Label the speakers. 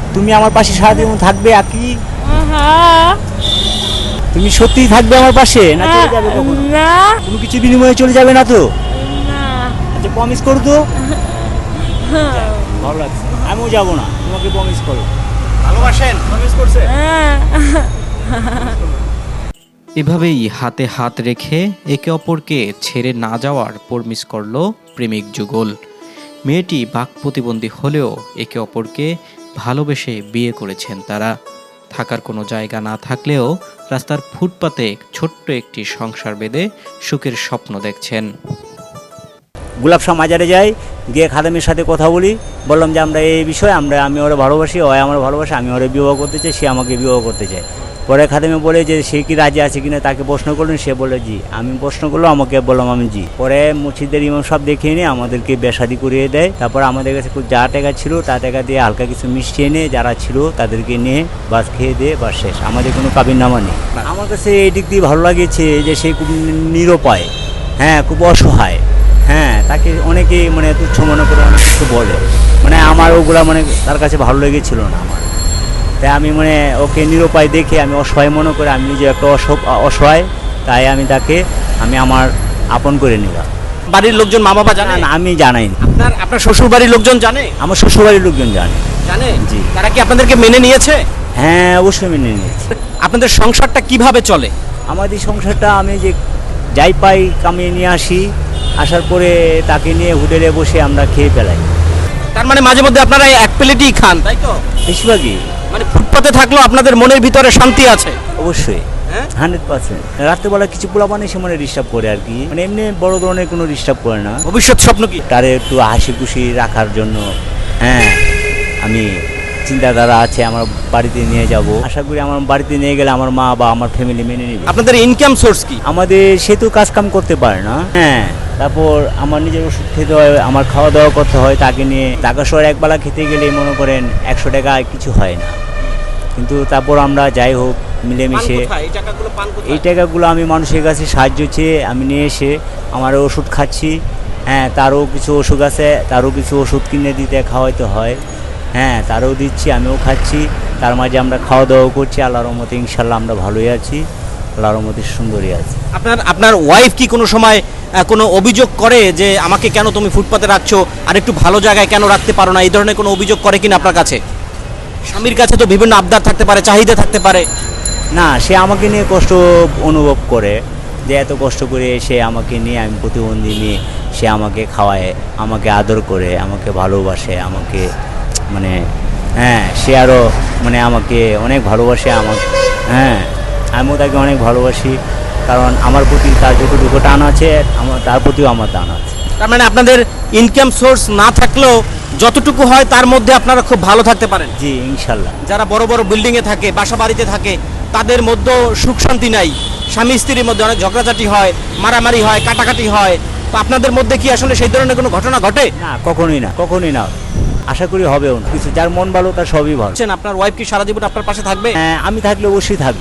Speaker 1: তুমি আমার পাশে সারাদিন থাকবে আকি?
Speaker 2: হ্যাঁ।
Speaker 1: তুমি সত্যিই থাকবে আমার পাশে না চলে যাবে কখনো?
Speaker 2: না
Speaker 1: কোনো কিছু বিনিময়ে চলে যাবে না তো?
Speaker 2: না।
Speaker 1: আচ্ছা প্রমিস করো তো। ভালো লাগছে, আমিও যাবো না, তোমাকে প্রমিস করো। ভালোবাসেন? প্রমিস করছে?
Speaker 2: হ্যাঁ।
Speaker 3: এভাবেই হাতে হাত রেখে একে অপরকে ছেড়ে না যাওয়ার প্রমিস করল প্রেমিক যুগল। মেয়েটি বাক প্রতিবন্ধী হলেও একে অপরকে ভালোবেসে বিয়ে করেছেন তারা। থাকার কোনো জায়গা না থাকলেও রাস্তার ফুটপাতে ছোট্ট একটি সংসার বেঁধে সুখের স্বপ্ন দেখছেন।
Speaker 1: গোলাপ শাহ মাজারে যাই, গিয়ে খাদেমের সাথে কথা বলি, বললাম যে আমরা এই বিষয়ে আমি ওরা ভালোবাসি, ও আমার ভালোবাসে, আমি ওরা বিবাহ করতে চাই, সে আমাকে বিবাহ করতে চায়। পরে খাদেমে বলে যে সে কি রাজি আছে কিনা, তাকে প্রশ্ন করলেন, সে বলে জি। আমি প্রশ্ন করলো, আমাকে বললাম আমি জি। পরে মসজিদের ইমাম সব দেখিয়ে নিয়ে আমাদেরকে বেশাদি করিয়ে দেয়। তারপর আমাদের কাছে যা টাকা ছিল তা টাকা দিয়ে হালকা কিছু মিষ্টি এনে যারা ছিল তাদেরকে নিয়ে বাস খেয়ে দিয়ে বাস শেষ। আমাদের কোনো কাবিননামা নেই। আমার কাছে এই দিক দিয়ে ভালো লাগিয়েছে যে সে খুব নিরুপায়, হ্যাঁ খুব অসহায়, হ্যাঁ তাকে অনেকেই মানে তুচ্ছ মনে করে অনেক কিছু বলে, মানে আমার ওগুলা মানে তার কাছে ভালো লেগেছিল না আমার। তাই আমি মানে ওকে নিরুপায় দেখে আমি অসহায় মনে করে, আমি নিজে একটা অসহায়, তাই আমি তাকে আমার আপন করে নিলাম।
Speaker 4: বাড়ির লোকজন মা বাবা জানে?
Speaker 1: না, আমি জানাইনি।
Speaker 4: আপনার শ্বশুর বাড়ির লোকজন জানে?
Speaker 1: আমার শ্বশুরবাড়ির লোকজন জানে।
Speaker 4: জানে?
Speaker 1: জি।
Speaker 4: তারা কি আপনাদেরকে মেনে নিয়েছে?
Speaker 1: হ্যাঁ অবশ্যই মেনে নিয়েছি।
Speaker 4: আপনাদের সংসারটা কিভাবে চলে?
Speaker 1: আমাদের সংসারটা আমি যে যাই পাই কামিয়ে নিয়ে আসি, আসার পরে তাকে নিয়ে হোটেলে বসে আমরা খেয়ে ফেলাই।
Speaker 4: তার মানে মাঝে মধ্যে আপনারা এই এক প্লেটই খান, তাই তো?
Speaker 1: বেশিরভাগই।
Speaker 4: মানে ফুটপাতে থাকলেও আপনাদের মনের ভিতরে শান্তি আছে?
Speaker 1: অবশ্যই,
Speaker 4: হ্যাঁ?
Speaker 1: 100%। রাত্রেবেলা কিছু পোলাপান এসে মানে ডিস্টার্ব করে আর কি, মানে এমনি বড় ধরনের কোনো ডিস্টার্ব করে না।
Speaker 4: ভবিষ্যৎ স্বপ্ন কি?
Speaker 1: তারে একটু হাসি খুশি রাখার জন্য হ্যাঁ আমি চিন্তাধারা আছে আমার বাড়িতে নিয়ে যাব। আশা করি আমার বাড়িতে নিয়ে গেলে আমার মা বা আমার ফ্যামিলি মেনে নেবে।
Speaker 4: আপনাদের ইনকাম সোর্স কি?
Speaker 1: আমাদের সে তো কাজ কাম করতে পারে না, হ্যাঁ তারপর আমার নিজের ওষুধ খেতে হয়, আমার খাওয়া দাওয়া করতে হয়, তাকে নিয়ে ঢাকা শহরে একবেলা খেতে গেলে মনে করেন 100 টাকা কিছু হয় না। কিন্তু তারপর আমরা যাই হোক মিলেমিশে এই টাকাগুলো আমি মানুষের কাছে সাহায্য চেয়ে আমি নিয়ে এসে আমার ওষুধ খাচ্ছি, হ্যাঁ তারও কিছু ওষুধ আছে, তারও কিছু ওষুধ কিনে দিতে খাওয়াইতে হয়, হ্যাঁ তারও দিচ্ছি, আমিও খাচ্ছি। তার মাঝে আমরা খাওয়া দাওয়া করছি, আল্লাহর রহমতে ইনশাল্লাহ আমরা ভালোই আছি, আল্লাহর রহমতে সুন্দরই আছি।
Speaker 4: আপনার ওয়াইফ কি কোনো সময় কোনো অভিযোগ করে যে আমাকে কেন তুমি ফুটপাতে রাখছো, আর একটু ভালো জায়গায় কেন রাখতে পারো না, এই ধরনের কোনো অভিযোগ করে কিনা আপনার কাছে? স্বামীর কাছে তো বিভিন্ন আবদার থাকতে পারে, চাহিদা থাকতে পারে।
Speaker 1: না, সে আমাকে নিয়ে কষ্ট অনুভব করে যে এত কষ্ট করে সে আমাকে নিয়ে, আমি প্রতিবন্ধী নিয়ে, সে আমাকে খাওয়ায়, আমাকে আদর করে, আমাকে ভালোবাসে, আমাকে মানে হ্যাঁ সে আরও মানে আমাকে অনেক ভালোবাসে আমাকে, হ্যাঁ আমিও তাকে অনেক ভালোবাসি, কারণ আমার প্রতি তার যতটুকু টান আছে তার প্রতিও আমার টান আছে।
Speaker 4: তার মানে আপনাদের ইনকাম সোর্স না থাকলেও যতটুকু হয় তার মধ্যে আপনারা খুব ভালো থাকতে পারেন?
Speaker 1: জি ইনশাল্লাহ।
Speaker 4: যারা বড় বড় বিল্ডিংয়ে থাকে, বাসা বাড়িতে থাকে, তাদের মধ্যেও সুখ শান্তি নাই, স্বামী স্ত্রীর মধ্যে অনেক ঝগড়াঝাটি হয়, মারামারি হয়, কাটাকাটি হয়। তো আপনাদের মধ্যে কি আসলে সেই ধরনের কোনো ঘটনা ঘটে?
Speaker 1: না, কখনোই না, কখনোই না, আশা করি হবেও না। কিছু যার মন ভালো তার সবই ভালো।
Speaker 4: আপনার ওয়াইফ কি সারা জীবন আপনার পাশে থাকবে?
Speaker 1: হ্যাঁ আমি থাকলে অবশ্যই থাকবে।